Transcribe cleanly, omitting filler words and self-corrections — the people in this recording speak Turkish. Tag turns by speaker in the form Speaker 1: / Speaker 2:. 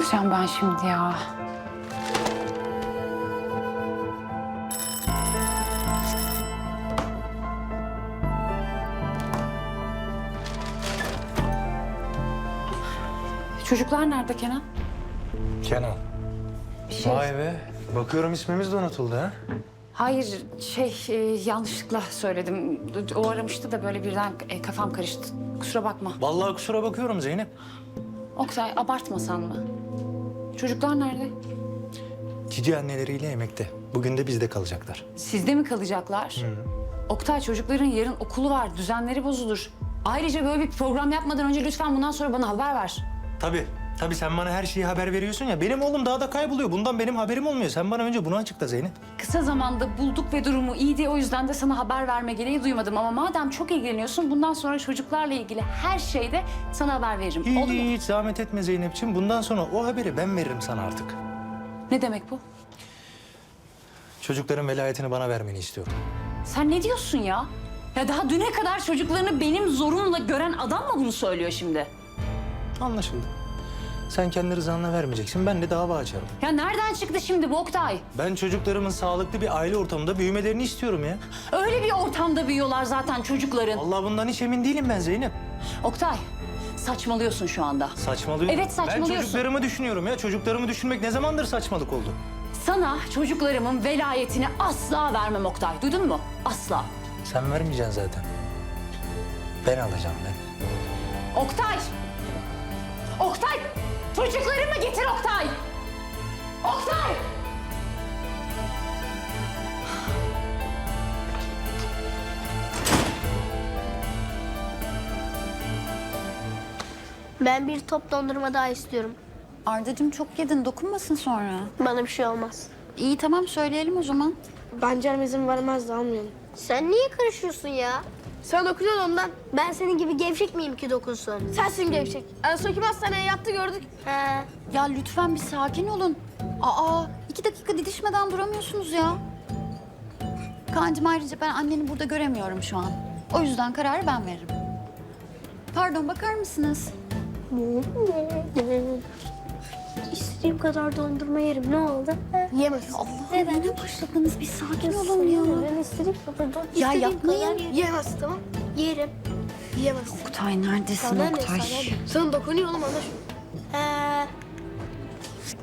Speaker 1: yapacağım ben şimdi ya? Çocuklar nerede Kenan?
Speaker 2: Kenan.
Speaker 1: Bir şey...
Speaker 2: Vay be. Bakıyorum ismimiz de unutuldu ha.
Speaker 1: Hayır, yanlışlıkla söyledim. O aramıştı da böyle birden kafam karıştı. Kusura bakma.
Speaker 2: Vallahi kusura bakıyorum Zeynep.
Speaker 1: Oktay, abartmasan mı? Çocuklar nerede?
Speaker 2: Cici anneleriyle yemekte. Bugün de bizde kalacaklar.
Speaker 1: Sizde mi kalacaklar? Oktay, çocukların yarın okulu var, düzenleri bozulur. Ayrıca böyle bir program yapmadan önce lütfen bundan sonra bana haber ver.
Speaker 2: Tabii. Tabii sen bana her şeyi haber veriyorsun ya. Benim oğlum daha da kayboluyor. Bundan benim haberim olmuyor. Sen bana önce bunu açıkla Zeynep.
Speaker 1: Kısa zamanda bulduk ve durumu iyiydi. O yüzden de sana haber verme gereği duymadım. Ama madem çok ilgileniyorsun, bundan sonra çocuklarla ilgili her şeyde sana haber veririm. Oldu mu?
Speaker 2: Hiç zahmet etme Zeynep'ciğim. Bundan sonra o haberi ben veririm sana artık.
Speaker 1: Ne demek bu?
Speaker 2: Çocukların velayetini bana vermeni istiyorum.
Speaker 1: Sen ne diyorsun ya? Ya daha düne kadar çocuklarını benim zorumla gören adam mı bunu söylüyor şimdi?
Speaker 2: Anlaşıldı. Sen kendi rızanla vermeyeceksin. Ben de dava açarım.
Speaker 1: Ya nereden çıktı şimdi bu Oktay?
Speaker 2: Ben çocuklarımın sağlıklı bir aile ortamında büyümelerini istiyorum ya.
Speaker 1: Öyle bir ortamda büyüyorlar zaten çocukların.
Speaker 2: Allah bundan hiç emin değilim ben Zeynep.
Speaker 1: Oktay, saçmalıyorsun şu anda.
Speaker 2: Saçmalıyorum.
Speaker 1: Evet, saçmalıyorsun.
Speaker 2: Ben çocuklarımı düşünüyorum ya. Çocuklarımı düşünmek ne zamandır saçmalık oldu?
Speaker 1: Sana çocuklarımın velayetini asla vermem Oktay. Duydun mu? Asla.
Speaker 2: Sen vermeyeceksin zaten. Ben alacağım ben.
Speaker 1: Oktay! Oktay! Çocuklarımı getir Oktay! Oktay!
Speaker 3: Ben bir top dondurma daha istiyorum.
Speaker 4: Ardacığım çok yedin, dokunmasın sonra.
Speaker 3: Bana bir şey olmaz.
Speaker 4: İyi tamam söyleyelim o zaman.
Speaker 5: Ben canım izin vermez de almayalım.
Speaker 3: Sen niye karışıyorsun ya?
Speaker 5: Sen dokunuyorsun ondan.
Speaker 3: Ben senin gibi gevşek miyim ki dokunsun?
Speaker 5: Sensin gevşek. En son kim hastaneye yattı gördük.
Speaker 3: He.
Speaker 4: Ya lütfen bir sakin olun. Aa 2 dakika didişmeden duramıyorsunuz ya. Kaan'cığım ayrıca ben anneni burada göremiyorum şu an. O yüzden kararı ben veririm. Pardon bakar mısınız?
Speaker 3: İstediğim kadar dondurma yerim. Ne oldu? He?
Speaker 5: Yemez.
Speaker 4: Allah neden başladınız? Bir sakin olun ya.
Speaker 3: Ben istediğim kadar
Speaker 4: Ya
Speaker 3: istediğim
Speaker 4: yapmayın.
Speaker 3: kadar yerim.
Speaker 5: Yemez tamam.
Speaker 3: Yerim.
Speaker 5: Yemez.
Speaker 4: Oktay neredesin
Speaker 5: Sana ne
Speaker 4: Oktay?
Speaker 5: sana ne? Sana dokunuyor oğlum ana şunu.